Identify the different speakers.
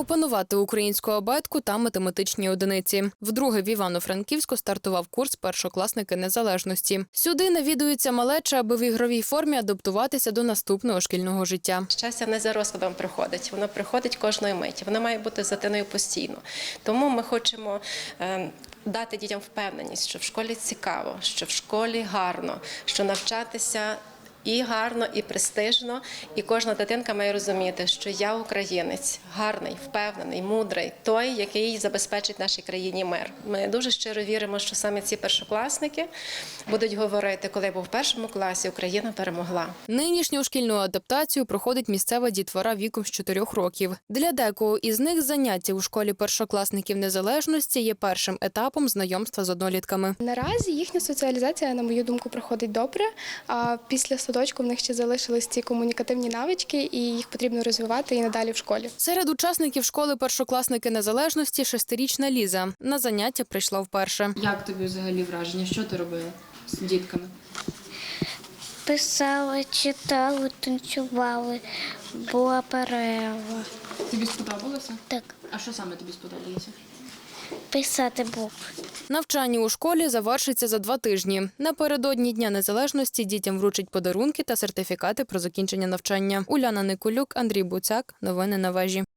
Speaker 1: опанувати українську абетку та математичні одиниці. Вдруге в Івано-Франківську стартував курс «Першокласники незалежності». Сюди навідується малеча, аби в ігровій формі адаптуватися до наступного шкільного життя.
Speaker 2: Щастя не за розкладом приходить, воно приходить кожної миті, воно має бути з дитиною постійно. Тому ми хочемо дати дітям впевненість, що в школі цікаво, що в школі гарно, що навчатися і гарно, і престижно, і кожна дитинка має розуміти, що я українець, гарний, впевнений, мудрий, той, який забезпечить нашій країні мир. Ми дуже щиро віримо, що саме ці першокласники будуть говорити, коли я був в першому класі, Україна перемогла.
Speaker 1: Нинішню шкільну адаптацію проходить місцева дітвора віком з 4 років. Для декого із них заняття у школі першокласників незалежності є першим етапом знайомства з однолітками.
Speaker 3: Наразі їхня соціалізація, на мою думку, проходить добре. А після садочку в них ще залишились ці комунікативні навички, і їх потрібно розвивати і надалі в школі.
Speaker 1: Серед учасників школи першокласники незалежності 6-річна Ліза. На заняття прийшла вперше.
Speaker 4: Як тобі взагалі враження? Що ти робила з дітками?
Speaker 5: Писали, читали, танцювали, була перерва.
Speaker 4: Тобі сподобалося?
Speaker 5: Так,
Speaker 4: А що саме тобі сподобалося?
Speaker 5: писати букви.
Speaker 1: Навчання у школі завершиться за 2 тижні. Напередодні Дня незалежності дітям вручать подарунки та сертифікати про закінчення навчання. Уляна Никулюк, Андрій Буцяк. Новини на вежі.